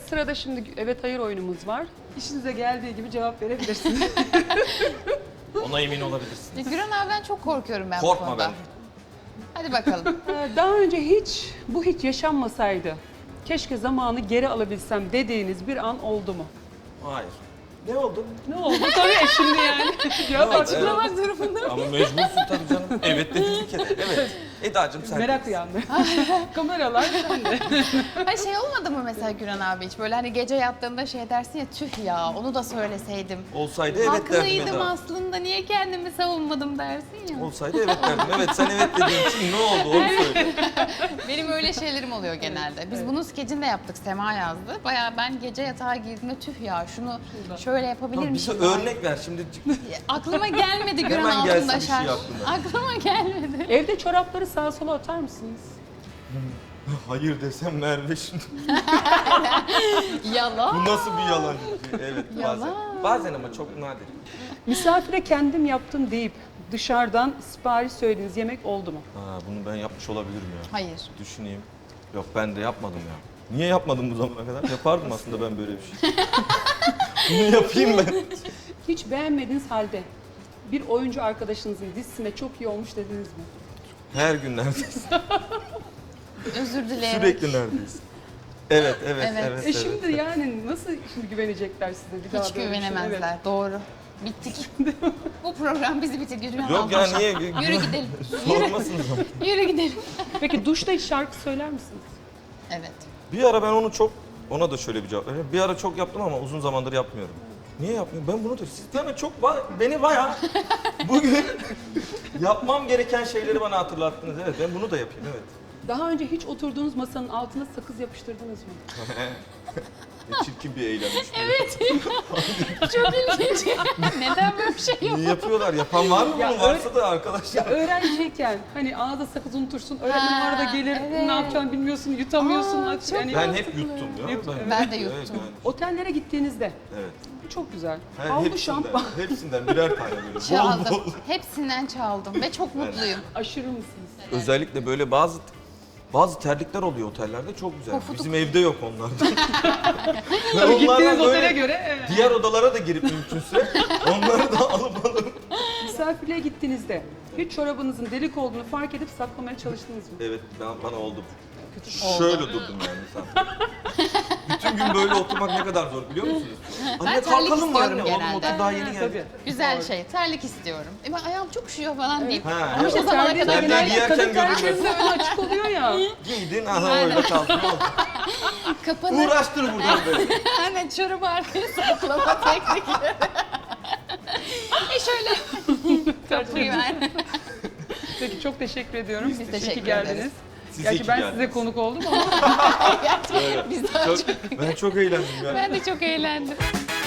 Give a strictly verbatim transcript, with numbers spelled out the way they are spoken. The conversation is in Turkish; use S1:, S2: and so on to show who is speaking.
S1: sırada şimdi evet hayır oyunumuz var. İşinize geldiği gibi cevap verebilirsiniz.
S2: Ona emin olabilirsin.
S3: Ya Güran abiden çok korkuyorum ben bu
S2: Korkma
S3: konuda.
S2: ben.
S3: Hadi bakalım.
S1: Ee, Daha önce hiç bu hiç yaşanmasaydı, keşke zamanı geri alabilsem dediğiniz bir an oldu mu?
S2: Hayır. Ne oldu?
S1: Ne oldu? Tabii ya şimdi yani. Cevap
S2: oldu?
S1: açıklamak durumunda.
S2: Ama mecbursun tabii canım. Evet dedi bir kere. Evet. Eda'cığım sen.
S1: Merak uyandı. Kameralar sende.
S3: Hani şey olmadı mı mesela Güran abi hiç böyle hani gece yattığında şey dersin ya tüh ya onu da söyleseydim.
S2: Olsaydı evet derdim
S3: Haklıydım
S2: Eda.
S3: aslında niye kendimi savunmadım dersin ya.
S2: Olsaydı evet derdim. Evet sen evet dediğin için ne oldu onu söyle.
S3: Benim öyle şeylerim oluyor genelde. Biz bunun skecini de yaptık. Sema yazdı. Bayağı ben gece yatağa girdiğimde tüh ya şunu şöyle yapabilir
S2: Tamam, bize
S3: miyim?
S2: örnek ver şimdi.
S3: Aklıma gelmedi Güran
S2: Hemen gelsin
S3: altında
S2: bir şey
S3: şarj.
S2: aklına.
S3: Aklıma gelmedi.
S1: Evde çorapları sağa sola atar mısınız?
S2: Hayır desem Merve şimdi.
S3: Yalan.
S2: Bu nasıl bir yalan? Evet bazen.
S3: Yalan.
S2: Bazen ama çok nadir.
S1: Misafire kendim yaptım deyip dışarıdan sipariş söylediğiniz yemek oldu mu?
S2: Ha, bunu ben yapmış olabilirim ya.
S3: Hayır.
S2: Düşüneyim. Yok ben de yapmadım ya. Niye yapmadım bu zamana kadar? Yapardım aslında ben böyle bir şey. Bunu yapayım ben.
S1: Hiç beğenmediğiniz halde bir oyuncu arkadaşınızın dizisinde çok iyi olmuş dediniz mi?
S2: Her gün neredeyiz.
S3: Özür dileyerek.
S2: Sürekli neredeyiz. Evet, evet,
S3: Evet.
S2: evet.
S1: E
S2: evet.
S1: şimdi yani nasıl şimdi güvenecekler size bir daha
S3: Hiç
S1: böyle bir şey?
S3: güvenemezler.
S1: Evet.
S3: Doğru. Bittik. Bu program bizi bitirdi. Güran
S2: Yok ya
S3: abla.
S2: niye?
S3: Yürü gidelim.
S2: Sormasınız ama.
S3: Yürü gidelim.
S1: Peki duşta hiç şarkı söyler misiniz?
S3: Evet.
S2: Bir ara ben onu çok, ona da şöyle bir cevap vereyim. Bir ara çok yaptım ama uzun zamandır yapmıyorum. Niye yapmıyorum? Ben bunu da, siz yani çok, ba- beni bayağı bugün yapmam gereken şeyleri bana hatırlattınız. Evet ben bunu da yapayım, evet.
S1: Daha önce hiç oturduğunuz masanın altına sakız yapıştırdınız mı?
S2: Ne çirkin bir eylemmiş.
S3: Evet. Çok ilginç. Neden böyle bir şey yok?
S2: Niye yapıyorlar? Yapan var mı
S1: Ya
S2: bunun? Varsa da arkadaşlar.
S1: Öğrenciyken hani ağza sakız unutursun, öğretmen
S3: Ha,
S1: arada gelir,
S3: evet.
S1: ne yapacağını bilmiyorsun, yutamıyorsun.
S3: Aa,
S1: Aç-
S3: çok
S1: yani
S2: Ben hep yuttum ya.
S1: Yut-
S3: Ben de
S2: Evet,
S3: yuttum.
S2: yani.
S1: Otellere gittiğinizde,
S2: Evet.
S1: bu çok güzel.
S2: Her,
S1: Havlu
S2: hepsinden,
S1: şampuan,
S2: hepsinden birer tane böyle. Bol
S3: Çaldım.
S2: bol.
S3: Hepsinden çaldım ve çok mutluyum.
S1: aşırı mısınız?
S2: Özellikle böyle bazı bazı terlikler oluyor otellerde çok güzel.
S3: Pofuduk.
S2: Bizim evde yok onlardan. Ben
S1: Tabii gittiğiniz
S2: onlardan
S1: otele
S2: böyle
S1: göre evet.
S2: diğer odalara da girip mümkünse onları da alıp alıp.
S1: Misafirliğe gittiğinizde hiç çorabınızın delik olduğunu fark edip saklamaya çalıştınız mı?
S2: Evet ben, bana oldu.
S3: Oldu.
S2: Şöyle durdum yani sen. Bütün gün böyle oturmak ne kadar zor biliyor musunuz? Anne
S3: terlik
S2: kalkalım mı anne?
S3: istiyorum
S2: Oğlum
S3: genelde.
S2: otur daha yeni
S1: Ha,
S2: geldi.
S1: tabii.
S3: Güzel şey. Terlik istiyorum. E ben ayağım çok üşüyor falan deyip.
S2: Ha,
S3: Ama
S2: evet.
S3: işte zamana
S1: Terliği
S3: kadar
S2: Terliği
S3: gider.
S2: giyerken
S1: kadın
S2: görünmez.
S1: terliklerinde ön açık oluyor ya.
S2: Giydin aha öyle kaldın. Ne oldu?
S3: Kapanır.
S2: Uğraştır buradan böyle.
S3: Hemen çorabı arkaya saklama teknikleri. e şöyle. Kapıyı ver.
S1: Peki çok teşekkür ediyorum.
S3: Biz
S1: İyi
S3: teşekkür
S1: ki geldiniz.
S3: ederiz.
S2: Siz iyi
S1: Gerçi
S2: ki
S1: ben
S2: geldiniz.
S1: size konuk oldum ama
S3: Biz daha
S2: Çok,
S3: çok.
S2: ben çok eğlendim ya.
S3: Ben de çok eğlendim.